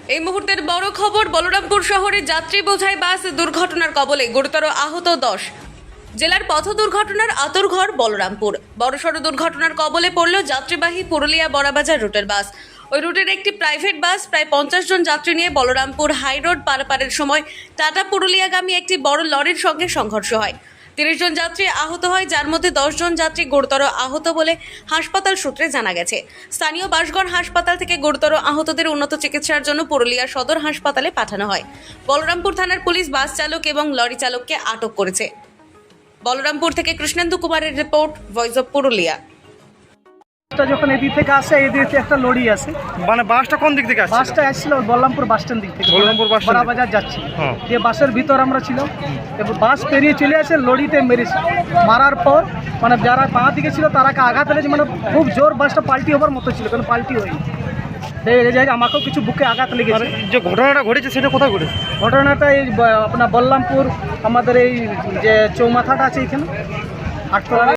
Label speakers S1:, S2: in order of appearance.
S1: এই মুহূর্তের বড় খবর, বলরামপুর শহরে যাত্রী বোঝাই বাস দুর্ঘটনার কবলে, গুরুতর আহত 10। জেলার পথ দুর্ঘটনার আঁতুড়ঘর বলরামপুর। বড়সড় দুর্ঘটনার কবলে পড়ল যাত্রীবাহী পুরুলিয়া বড়াবাজার রুটের বাস। ওই রুটের একটি প্রাইভেট বাস প্রায় 50 জন যাত্রী নিয়ে বলরামপুর হাই রোড পারাপারের সময় টাটা পুরুলিয়াগামী একটি বড় লরির সঙ্গে সংঘর্ষ হয়। 30 জন যাত্রী আহত হয়, যার মধ্যে 10 জন যাত্রী গুরুতর আহত বলে হাসপাতাল সূত্রে জানা গেছে। স্থানীয় বাসগড় হাসপাতাল থেকে গুরুতর আহতদের উন্নত চিকিৎসার জন্য পুরুলিয়া সদর হাসপাতালে পাঠানো হয়। বলরামপুর থানার পুলিশ বাস চালক এবং লরি চালককে আটক করেছে। বলরামপুর থেকে কৃষ্ণেন্দু কুমারের রিপোর্ট, ভয়েস অফ পুরুলিয়া।
S2: যখন এদিক থেকে আসে, এই দিক থেকে একটা লরি আসে।
S3: মানে বাসটা কোন দিক থেকে আসছে?
S2: বাসটা আসছিল বলরামপুর বাস স্ট্যান্ড দিক থেকে,
S3: বলরামপুর বাস স্ট্যান্ড
S2: বড়াবাজার যাচ্ছি।
S3: হ্যাঁ।
S2: দিয়ে বাসের ভিতর আমরা ছিলাম, এবার বাস পেরিয়ে চলে আসে, লরিতে মেরেছে। মারার পর মানে যারা বাঁ দিকে ছিল তারাকে আঘাত লেগেছে, মানে খুব জোর বাসটা পাল্টি হবার মতো ছিল, কারণ পাল্টি হয়নি। এই জায়গায় আমাকেও কিছু বুকে আঘাত লেগেছে।
S3: যে ঘটনাটা ঘটেছে সেটা কোথায় ঘটেছে?
S2: ঘটনাটা এই আপনার বলরামপুর আমাদের এই যে চৌমাথাটা আছে এখানে, আটতলা